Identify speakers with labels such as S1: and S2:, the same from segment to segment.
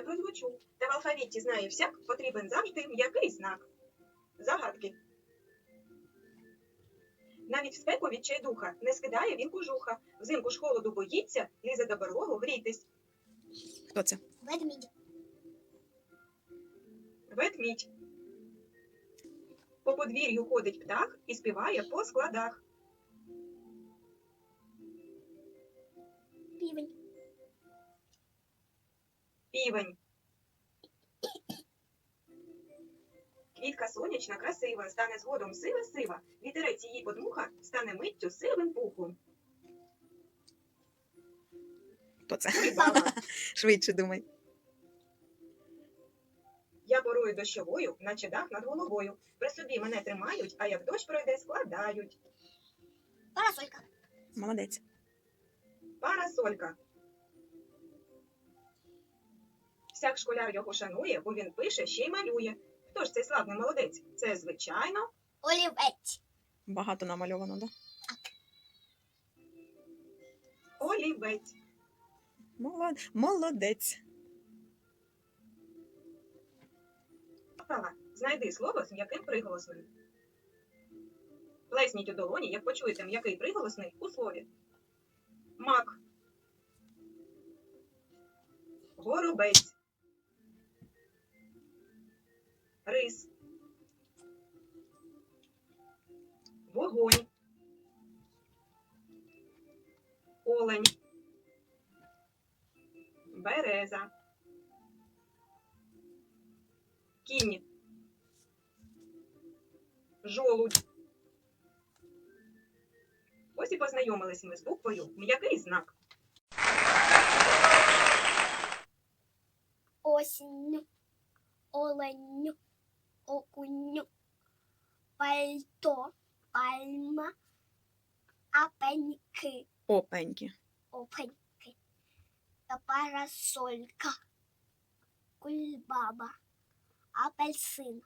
S1: розлучу. Та в алфавіті знає всяк, потрібен завжди м'який знак. Загадки. Навіть в спеку відчайдуха не скидає він кожуха. Взимку ж холоду боїться, лізе до берлогу грітись.
S2: Хто це?
S3: Ведмідь.
S1: Ведмідь. По подвір'ю ходить птах і співає по складах.
S3: Півень.
S1: Півень. Квітка сонячна, красива, стане згодом сива-сива. Вітерець її подмуха, стане миттю сивим пухом.
S2: Хто це?
S1: Кульбаба.
S2: Швидше думай.
S1: Я порою дощовою, наче дах над головою. При собі мене тримають, а як дощ пройде, складають.
S3: Парасолька.
S2: Молодець.
S1: Парасолька. Всяк школяр його шанує, бо він пише, ще й малює. Хто ж цей славний молодець? Це, звичайно,
S3: Олівець.
S2: Багато намальовано, да?
S1: олівець.
S2: Молодець.
S1: Пава, знайди слово з м'яким приголосним. Плесніть у долоні, як почуєте м'який приголосний у слові. Мак. Горобець. Рис. Вогонь. Олень. Береза. Кінь. Жолудь. Ось і познайомились ми з буквою м'який знак.
S3: Осінь. Олень. Окунь. Пальто. Пальма. Апеньки.
S2: Опеньки.
S3: Опеньки. Парасолька. Кульбаба. Апельсин.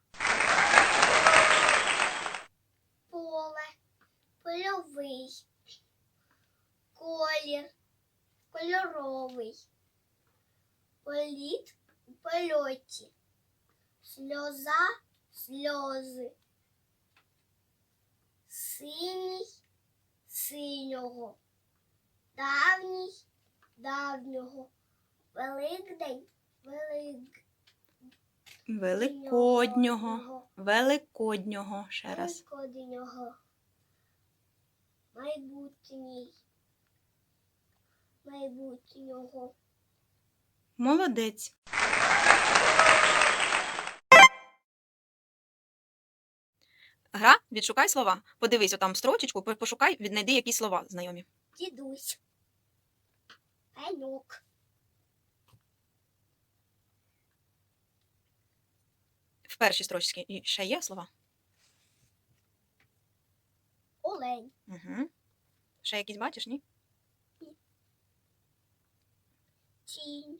S3: Поле. Польовий. Колір. Кольоровий. Політ. У польоті. Сльоза. Сльози. Синій. Синього. Давній. Давнього. Великдень.
S2: Великоднього. Великоднього. Ще раз.
S3: Великоднього. Майбутній. Майбутнього.
S2: Молодець. Гра, відшукай слова. Подивись отам строчечку, пошукай, віднайди якісь слова знайомі.
S3: Дідусь. Пеньок.
S2: В першій строчці і ще є слова?
S3: Олень.
S2: Угу. Ще якісь бачиш, ні?
S3: Тінь.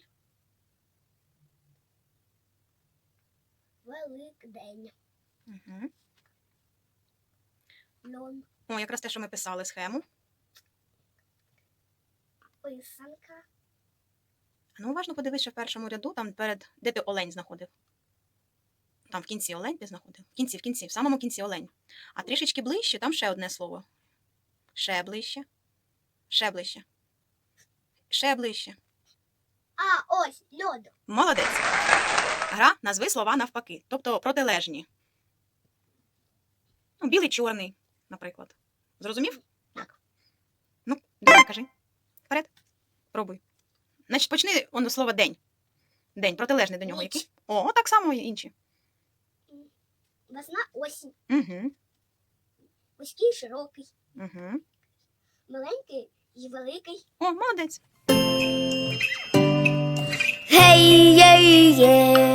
S3: Великдень.
S2: Угу.
S3: Льон.
S2: О, якраз те, що ми писали схему.
S3: Писанка.
S2: Ну, уважно подивись, що в першому ряду, там перед, де ти олень знаходив. Там в кінці олень ти знаходив. В кінці, в самому кінці олень. А трішечки ближче, там ще одне слово. Ще ближче. Ще ближче. Ще ближче.
S3: А, ось, льод.
S2: Молодець. Гра назви слова навпаки, тобто протилежні. Ну, білий, чорний, наприклад. Зрозумів? Як? Ну, давай, кажи. Вперед. Пробуй. Значить, почни воно слово день. День, протилежний до нього
S3: Ніч.
S2: який? О, так само і інші.
S3: Весна, осінь.
S2: Угу.
S3: Вузький, широкий.
S2: Угу.
S3: Маленький і великий.
S2: О, молодець.
S3: Гей, єй, є.